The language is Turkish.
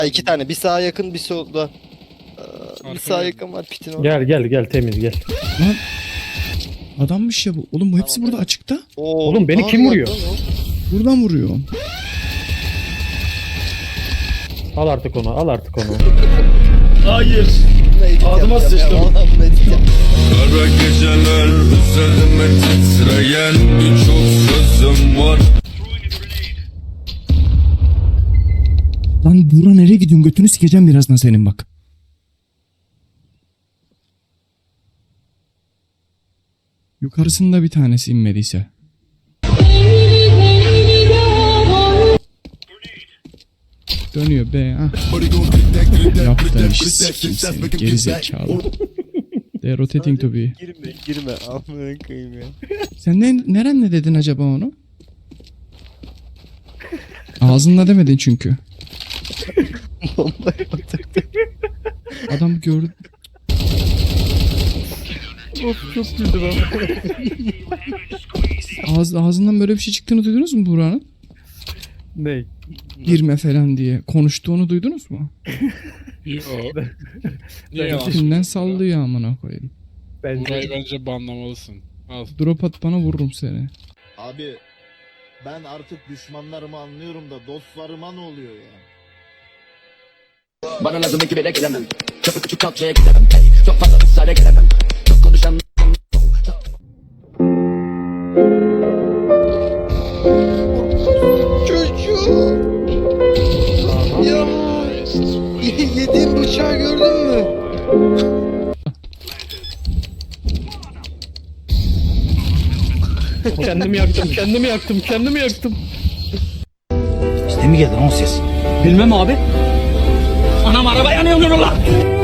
İki tane. Bir sağa yakın bir solda. Bir sağa yakın var pitin orada. Gel temiz gel. Lan adammış ya bu. Oğlum bu hepsi Tamam. burada açıkta. Oo, Oğlum beni ne kim yapıyor vuruyor? lan o? Buradan vuruyor. Al artık onu al artık onu. Hayır. Bunu edit Ağzıma yapacağım ya, sıçtım. vallahi bunu edit yapacağım. Kara geceler üzerime titreyen birçok sözüm var. Lan Buğra nereye gidiyorsun? Götünü sikeceğim birazdan senin bak. Yukarısında bir tanesi inmediyse. Dönüyor be ha. Yaptığın işi sikeyim seni geri zekalı. They're rotating to be. Girme. Amına koyayım ya. Sen nerenle dedin acaba onu? Ağzınla demedin çünkü. Bombayı batırdı. Adam gördü. Of çok güldüm ama. Ağzından böyle bir şey çıktığını duydunuz mu Buğra'nın? Ney? Girme falan diye. Konuştuğunu duydunuz mu? Yo. Niye yalan Filmden söylüyorsun? sallıyor amına koyayım. Burayı bence banlamalısın. Al. Drop at bana vururum seni. Abi ben artık düşmanlarımı anlıyorum da dostlarıma ne oluyor ya? Bana lazım ekibe gelemem. Çok küçük kalçaya gidemem. Çok fazla ısrara gelemem. Çok konuşan Çocuğum. Ya. Yediğim bıçağı gördün mü? kendimi yaktım. İşte mi geldi lan o ses? bilmem abi. Anam araba yanıyor lan.